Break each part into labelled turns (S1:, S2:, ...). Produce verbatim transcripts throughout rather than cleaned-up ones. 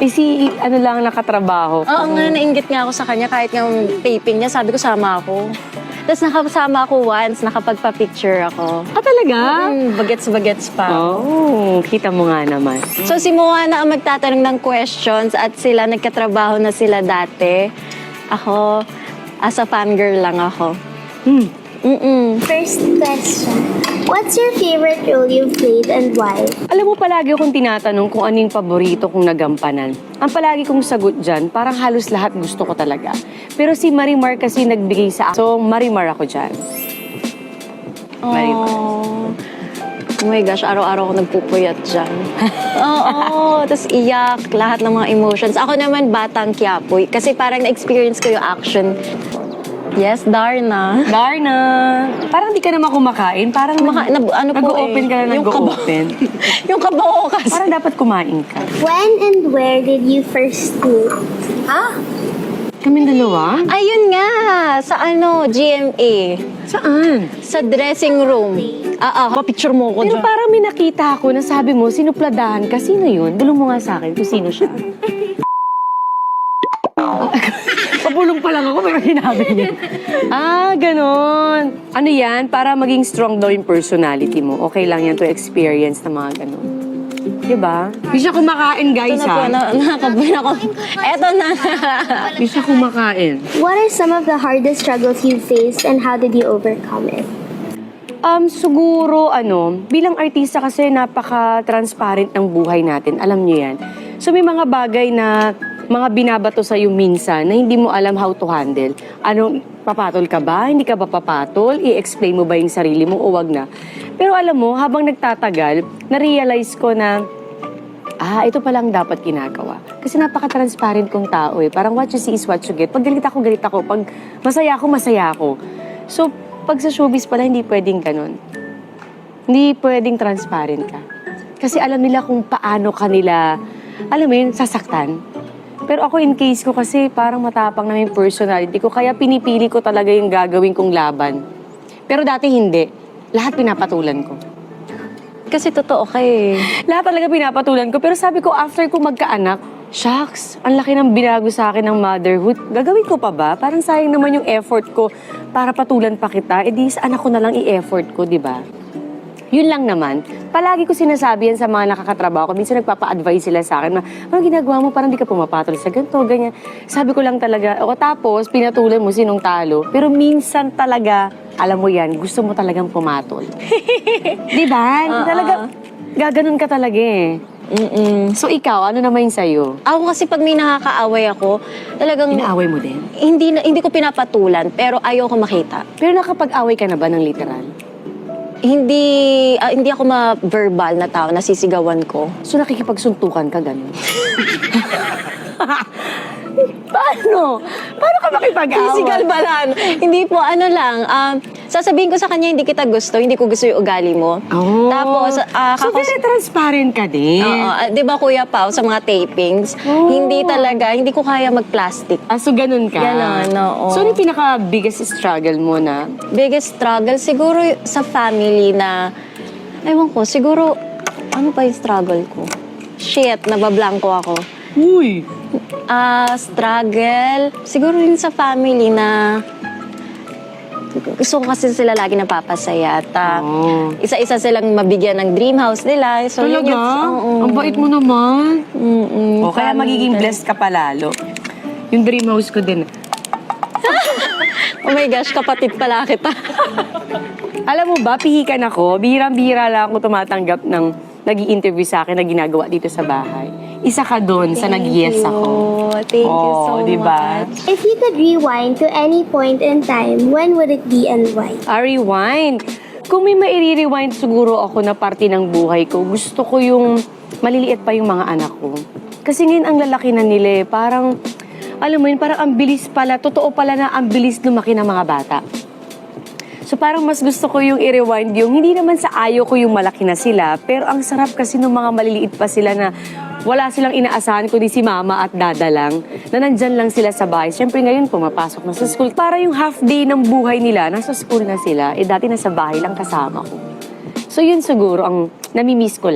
S1: Eh si, ano lang, nakatrabaho.
S2: Oo nga, nainggit nga ako sa kanya. Kahit nga yung taping niya, sabi ko, sama ako. Tapos nakasama ako once, nakapagpa-picture ako.
S1: Ah, talaga?
S2: Mm, bagets-bagets pa.
S1: Oh, kita mo nga naman.
S2: So si Moana ang magtatanong ng questions at sila, nagkatrabaho na sila dati. Ako, as a fangirl lang ako.
S1: Hmm.
S2: Mm-mm.
S3: First question. What's your favorite role you've played and why?
S1: Alam mo, palagi akong tinatanong kung ano yung paborito kong nagampanan. Ang palagi kong sagot dyan, parang halos lahat gusto ko talaga. Pero si Marimar kasi nagbigay sa akin. So, Marimar ako dyan. Marimar.
S2: Oh. Oh my gosh, araw-araw ako nagpupuyat dyan. Oo, tapos iyak, lahat ng mga emotions. Ako naman, batang Quiapo. Kasi parang na-experience ko yung action. Yes, Darna.
S1: Darna! Parang di ka naman kumakain. Parang
S2: Kumaka- na- ano po
S1: nag-open
S2: eh,
S1: ka na
S2: yung
S1: nag-open.
S2: yung kabaho kasi.
S1: Parang dapat kumain ka.
S3: When and where did you first meet?
S2: Ah,
S1: Kaming dalawa?
S2: ayun nga, sa ano, G M A.
S1: Saan?
S2: Sa dressing room. Ah, ah, picture mo ko
S1: Pero
S2: dyan.
S1: parang may nakita ako na sabi mo, sinupladahan ka. Sino yun? Bulong mo nga sa akin kung sino siya. Pabulong pa lang ako, pero hinabi niya. Ah, ganon. Ano yan? Para maging strong daw yung personality mo. Okay lang yan to experience na mga ganon. Diba? Di siya kumakain, guys,
S2: Ito na po,
S1: ha?
S2: na, nakakabay ako. Eto na.
S1: Di siya kumakain.
S3: What are some of the hardest struggles you faced and how did you overcome it?
S1: Um, siguro, ano, bilang artista kasi napaka-transparent ng buhay natin. Alam niyo yan. So, may mga bagay na mga binabato sa'yo minsan na hindi mo alam how to handle. Anong, papatol ka ba? Hindi ka ba papatol? I-explain mo ba yung sarili mo o wag na? Pero alam mo, habang nagtatagal, na-realize ko na, ah, ito palang dapat ginagawa. Kasi napaka-transparent kong tao eh. Parang what you see is what you get. Pag galit ako, galit ako. Pag masaya ako, masaya ako. So, pag sa showbiz pala, hindi pwedeng ganun. Hindi pwedeng transparent ka. Kasi alam nila kung paano kanila, alam mo yun, sasaktan. Pero ako in case ko kasi parang matapang na yung personality ko, kaya pinipili ko talaga yung gagawin kong laban. Pero dati hindi. Lahat pinapatulan ko.
S2: Kasi totoo ka eh.
S1: Lahat talaga pinapatulan ko. Pero sabi ko, after ko magkaanak, shucks, ang laki ng binago sa akin ng motherhood. Gagawin ko pa ba? Parang sayang naman yung effort ko para patulan pa kita. E di sa anak ko na lang i-effort ko, di ba? Yun lang naman. Palagi ko sinasabi yan sa mga nakakatrabaho ko. Minsan nagpapa-advise sila sa akin, ano ginagawa mo? Parang di ka pumapatol sa ganito, ganyan. Sabi ko lang talaga, o tapos pinatulan mo sinong talo. Pero minsan talaga, alam mo yan, gusto mo talagang pumatol. Di ba?
S2: Uh-uh.
S1: Talaga, gaganon ka talaga eh.
S2: Mm-mm.
S1: So ikaw, ano naman yung sa'yo?
S2: Ako kasi pag may nakakaaway ako, talagang
S1: Inaaway mo din?
S2: hindi na, hindi ko pinapatulan, pero ayaw ko makita.
S1: Pero nakapag-away ka na ba ng literal?
S2: Hindi ah, hindi ako ma-verbal na tao, nasisigawan ko.
S1: So nakikipagsuntukan ka gano'n? Paano? Paano ka makipag-away?
S2: Physical ba lang? Hindi po, ano lang, um, sasabihin ko sa kanya, hindi kita gusto, hindi ko gusto yung ugali mo.
S1: Oh.
S2: Tapos, ah,
S1: so
S2: kakos-
S1: very transparent ka din.
S2: Oo, ah, di ba Kuya Pao, sa mga tapings,
S1: Oh.
S2: hindi talaga, hindi ko kaya mag-plastic.
S1: Ah, so ganun ka?
S2: Ganon, oo.
S1: So ano yung pinaka-biggest struggle mo na?
S2: Biggest struggle, siguro y- sa family na, ewan ko, siguro, ano pa yung struggle ko? Shit, nabablanko ako.
S1: Uy!
S2: Ah, struggle, siguro yun sa family na gusto ko kasi sila lagi napapasaya at ah,
S1: Oh.
S2: isa-isa silang mabigyan ng dream house nila. So, yun
S1: Talaga?
S2: yung- oo.
S1: Ang bait mo naman.
S2: Mm-mm,
S1: O, kaya
S2: family
S1: magiging
S2: talaga.
S1: blessed ka palalo. Yung dream house ko din.
S2: Oh my gosh, kapatid pala kita.
S1: Alam mo ba, pihikan ako. Bihirang-bihira lang ako tumatanggap ng nag-i-interview sa akin na ginagawa dito sa bahay. Isa ka doon sa nag-yes ako.
S2: Thank you
S1: Oh,
S2: so
S1: diba?
S2: much.
S3: If you could rewind to any point in time, when would it be and why?
S1: Ah, rewind. Kung may mairi-rewind siguro ako na parte ng buhay ko, gusto ko yung maliliit pa yung mga anak ko. Kasi ngayon ang lalaki na nila eh. Parang, alam mo yun, parang ang bilis pala, totoo pala na ang bilis lumaki ng mga bata. So parang mas gusto ko yung i-rewind yung, hindi naman sa ayaw ko yung malaki na sila, pero ang sarap kasi ng mga maliliit pa sila na wala silang inaasahan kundi si mama at dada lang, na nandyan lang sila sa bahay. Siyempre ngayon, pumapasok na sa school. Para yung half day ng buhay nila, nasa school na sila, eh dati nasa bahay lang kasama ko. So yun siguro ang namimiss ko lang.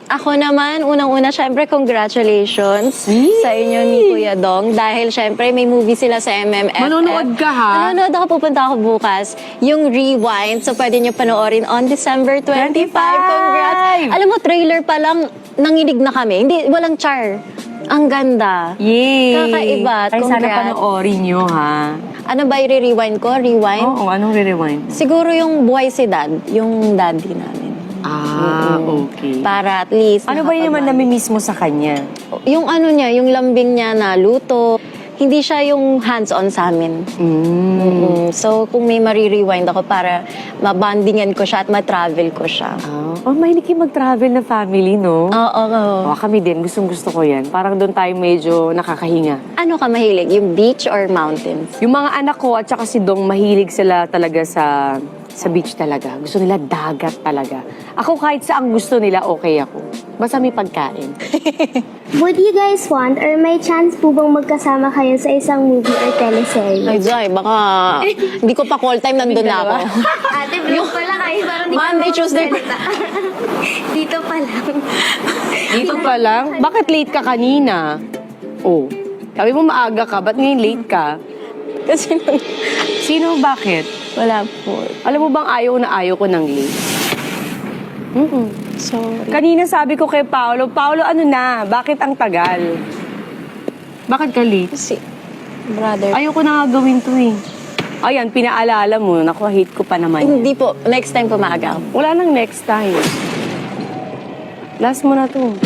S2: Ako naman, unang-una, syempre, congratulations
S1: Yee!
S2: sa inyo ni Kuya Dong. Dahil syempre, may movie sila sa M M F F.
S1: Manonood ka, ha?
S2: Manonood ako, pupunta ako bukas. Yung Rewind, so pwede nyo panoorin on December twenty-five. Congrats! Alam mo, trailer pa lang, nanginig na kami. Hindi, walang char. Ang ganda.
S1: Yay!
S2: Kakaiba.
S1: Ay, sana
S2: Congrats.
S1: panoorin nyo, ha?
S2: Ano ba i-rewind ko? Rewind?
S1: Oo, anong re-rewind?
S2: Siguro yung buhay si Dad, yung daddy namin.
S1: Ah, okay.
S2: Para at least
S1: Ano ba yun naman
S2: nakapag-
S1: namimiss mo sa kanya?
S2: Yung ano niya, yung lambing niya na luto, hindi siya yung hands-on sa amin.
S1: Mm.
S2: Mm, so, kung may marirewind ako para mabandingan ko siya at ma-travel ko siya.
S1: Ah, oh, mahilig kayo mag-travel na family, no?
S2: Oo, oo.
S1: Oh, kami din, gustong gusto ko yan. Parang doon tayo medyo nakakahinga.
S2: Ano ka mahilig? Yung beach or mountains?
S1: Yung mga anak ko at saka si Dong, mahilig sila talaga sa sa beach talaga. Gusto nila dagat talaga. Ako kahit saan gusto nila, okay ako. Basta may pagkain.
S3: Would you guys want or may chance po bang magkasama kayo sa isang movie or teleserye?
S2: Ay, Zay, baka hindi ko pa call time, nandun na ako.
S3: Ate, vlog pala kayo. Parang di
S2: Monday, Tuesday.
S3: Dito pa lang.
S1: Dito pa lang? Bakit late ka kanina? Oh, sabi mo maaga ka, ba't ngayon late ka?
S2: Kasi nung-
S1: Sino, bakit?
S2: wala po.
S1: Alam mo bang ayaw na ayaw ko ng late? Mm-mm.
S2: Sorry.
S1: Kanina sabi ko kay Paolo, Paolo, ano na? Bakit ang tagal? Bakit ka late?
S2: Kasi, brother.
S1: Ayoko na nga gawin to eh. Ayan, pinaalala mo. Naku, hate ko pa naman. yan.
S2: Hindi po. Next time po maaga ako.
S1: Wala nang next time. Last mo na to.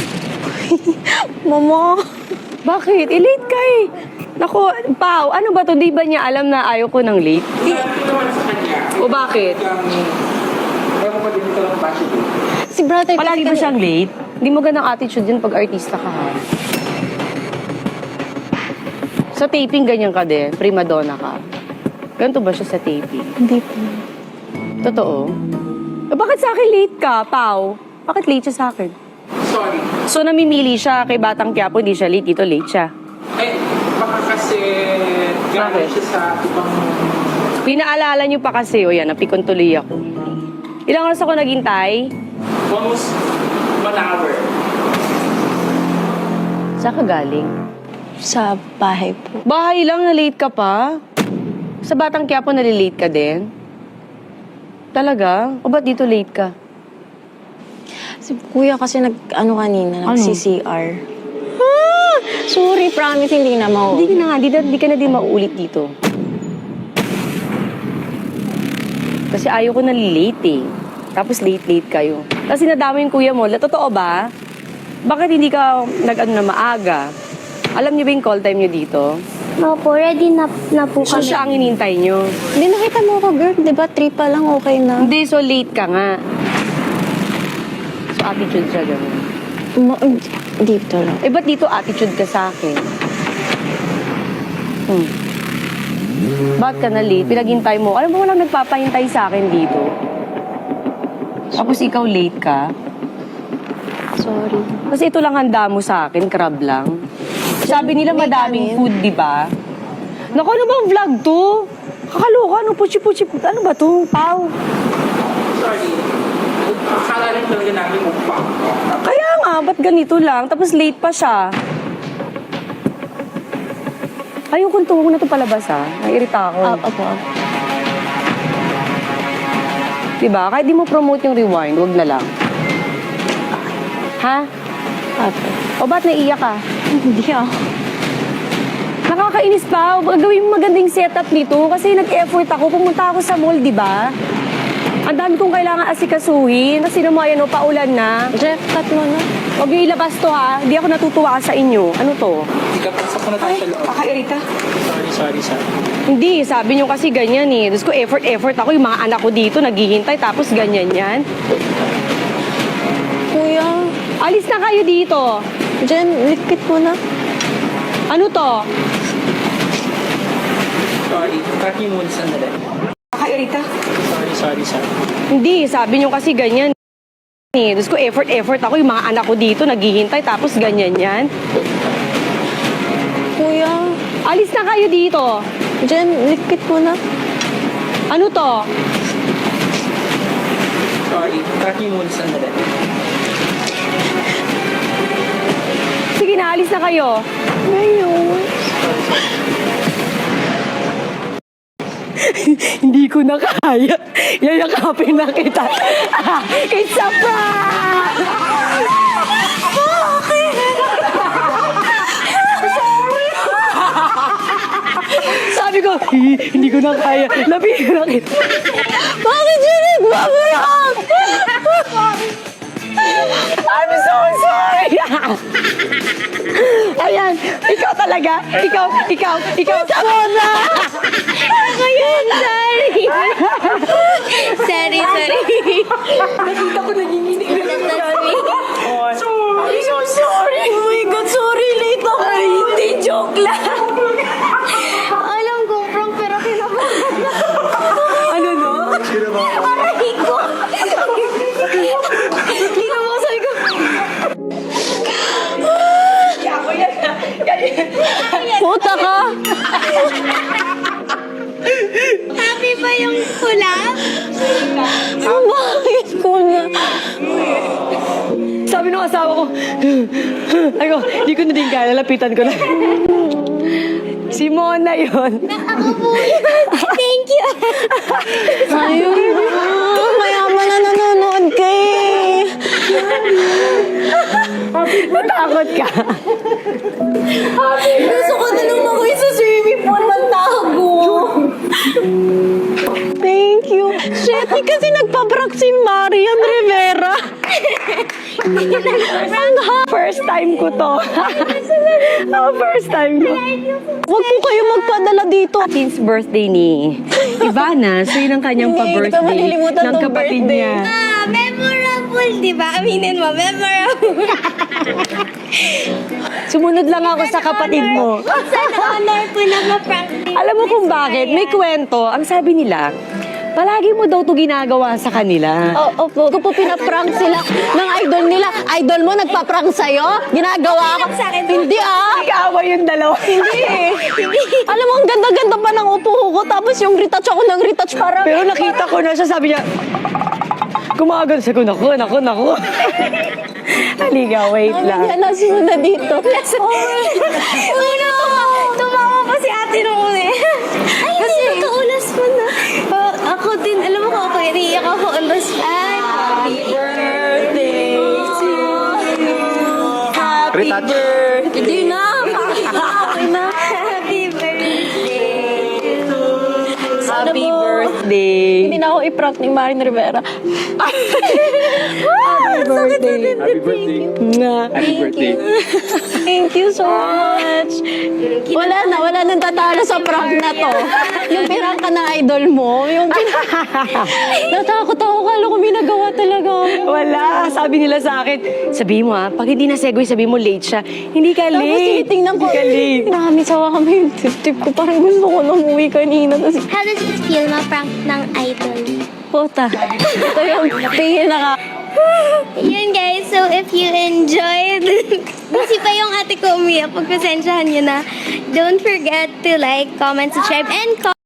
S2: Mama!
S1: Bakit? I-late ka eh. Naku, Pao, ano ba to? Di ba niya alam na ayaw ko ng late? O bakit?
S2: Si brother
S1: Palagi ba
S2: kasi
S1: siyang late? Hindi mo ganang attitude yun pag artista ka ha. Sa taping, ganyan ka din. Prima donna ka. Ganito ba siya sa taping?
S2: Hindi po.
S1: Totoo? Eh, bakit sa akin late ka, Pao? Bakit late siya sa akin?
S4: Sorry.
S1: So, namimili siya kay Batang Quiapo, hindi siya late. Dito late siya.
S4: Eh, baka kasi galing siya sa ibang...
S1: Pinaalala niyo pa kasi, o yan, napikon tuloy ako. Ilang oras ako naghintay?
S4: Almost one hour.
S1: Saan ka galing?
S2: Sa bahay po.
S1: Bahay lang, na late ka pa? Sa Batang Quiapo, nalilate ka din? Talaga? O ba't dito late ka?
S2: Si kuya kasi nag, ano kanina,
S1: Ano?
S2: nag-C C R. Ah! Sorry, promise, hindi na mau.
S1: Hindi ka na nga, di, na- di ka na din mauulit dito. Kasi ayaw ko na late eh. Tapos late-late kayo. Kasi nadama yung kuya mo. La, totoo ba? Bakit hindi ka nag-ano na maaga? Alam niyo ba yung call time niyo dito?
S3: Opo, ready na, na po
S1: So
S3: kami.
S1: siya ang inintay niyo.
S2: Hindi nakita mo ako, girl. Di ba, three pa lang, okay na.
S1: Hindi, so late ka nga. So attitude siya gano'n.
S2: Ma- dito lang.
S1: Eh, ba't dito attitude ka sa akin? Hmm. Ba't ka na late? Pinaghintay mo. Alam mo, walang nagpapahintay sa akin dito. Tapos ikaw late ka.
S2: Sorry.
S1: Kasi ito lang handa mo sa akin, crab lang. Sabi nila
S2: May
S1: madaming
S2: kanin.
S1: food, di ba? Naku, ano bang vlog to? Kakaloka, ano puchi-puchi, ano ba to? Pau.
S4: Sorry. Akala rin talaga namin mukbang.
S1: Kaya nga, ba't ganito lang? Tapos late pa siya. Ayokong tuwag na ito palabas, ha? Nairita ako.
S2: Ah, opo.
S1: Diba? Kahit di mo promote yung rewind, wag na lang. Ha?
S2: Opo.
S1: O ba't naiiyak ka?
S2: Hindi ah.
S1: Nakakainis pa. Gawin mo magandang setup nito kasi nag-effort ako. Pumunta ako sa mall, di ba? Ang dami kong kailangan asikasuhin. Kasi naman, yan, o, paulan na.
S2: Jeff, cut mo na.
S1: Huwag niyo ilabas to, ha? Di ako natutuwa sa inyo. Ano to?
S4: Hindi ka pasok na tayo sa loob.
S1: Kakairita.
S4: Sorry, sorry, sorry.
S1: Hindi, sabi niyo kasi ganyan eh. Tapos ko effort, effort ako. Yung mga anak ko dito, naghihintay. Tapos ganyan yan.
S2: Kuya,
S1: Alis na kayo dito.
S2: Jen, likpit mo na.
S1: Ano to?
S4: Sorry. Cut niyo muna sandali.
S1: Kakairita.
S4: Sorry, sorry, sorry.
S1: Hindi, sabi niyo kasi ganyan eh. Tapos ko effort, effort ako. Yung mga anak ko dito, naghihintay. Tapos ganyan yan.
S2: Kuya,
S1: Alis na kayo dito.
S2: Jen, likpit mo na.
S1: Ano to?
S4: Sorry. Cut niyo muna sandali.
S1: Sige na, alis na kayo.
S2: Ngayon.
S1: Hindi ko na kaya. Yayakapin na kita. Ah, it's a prank! Sabi ko, "Hi, hindi ko na kaya. Labi ko na kita.
S2: Bakit yun nagbabarak?
S1: I'm so sorry. Ayan, ikaw talaga. Ikaw, ikaw, ikaw. Mona!
S3: Ako yun, sorry. sorry, sorry.
S1: Nakita ko nanginginig na
S3: Sorry.
S1: I'm so sorry.
S2: Oh my God, sorry, late ako.
S1: Ay, hindi, joke lang.
S3: Alam kong prank pero kinabahan.
S1: Ano no?
S3: Aray ko.
S1: Kinamusay ko. Ako yan.
S2: Puta ka.
S3: Happy ba yung hula?
S2: Bakit ko na?
S1: Sabi ng asawa ko, ay ko, hindi ko na din kaya, lapitan ko na. Si Mona yun.
S3: Ako po yun. Thank you.
S2: Ayun. Mayaman na nanonood ka eh.
S1: Natakot ka.
S2: Gusto ko na nung ako sa swimming pool magtago. Thank you. Shit, eh, kasi nagpabrak si Marian Rivera. Ang ha-
S1: First time ko to. oh, first time ko.
S2: Huwag po kayo magpadala dito.
S1: Since birthday ni Ivana, so yun ang kanyang
S2: Hindi, hindi ko
S1: pa-birthday
S2: malilimutan
S1: ng
S2: tong
S1: kapatid
S2: birthday.
S1: niya.
S3: Ah, memorable, di ba? Aminin mo, memorable.
S1: Sumunod lang ako sa kapatid mo.
S3: Sana honor ko na ma-prank din.
S1: Alam mo kung bakit? May kwento. Ang sabi nila, palagi mo daw to ginagawa sa kanila.
S2: Oo, opo. Kung po pinaprank sila ng idol nila, idol mo nagpaprank sa'yo? Ginagawa ko?
S3: Sa akin.
S2: Hindi ah.
S1: Nag-aaway yung dalawa.
S2: Hindi eh. Alam mo, ang ganda-ganda pa ng upo ko. Tapos yung retouch ako ng retouch parang...
S1: Pero nakita ko na siya, sabi niya, kumagal sa ko, naku, naku, naku. Halika, wait lang.
S2: Yan, nasunod na dito.
S3: Una, tumawa pa si ate nung una eh. Ay, kasi nakaulas mo na. Oh, ako din, alam mo ko ako, iniiyak ako on the spot. Happy
S1: birthday to you. Happy
S5: Retouch.
S1: birthday.
S2: Hindi na. Okay na.
S3: Happy birthday to
S1: Happy
S2: mo?
S1: birthday.
S2: Hindi na ako i-prank ni Marin Rivera.
S1: Happy birthday.
S5: Happy birthday.
S1: Nga.
S5: Happy birthday.
S2: Thank you so much. Wala na, wala nang tatalo sa prank na to. Yung pirang ka ng idol mo, yung pin- natakot ako, kala ko may nagawa talaga.
S1: Wala. Sabi nila sa akin, sabi mo ha, pag hindi na segue, sabi mo late siya. Hindi ka
S2: Tapos
S1: late.
S2: tinitingnan ko,
S1: Hindi ka late.
S2: marami sawa kami yung tip-tip ko. Parang gusto ko na umuwi kanina. Tapos,
S3: How does it feel ma-prank ng idol?
S2: puta. Ito yung tingin na ka.
S3: Yun guys, so if you enjoyed, busy pa yung ate ko umiyak, pagpasensyahan nyo na. Don't forget to like, comment, subscribe, and comment.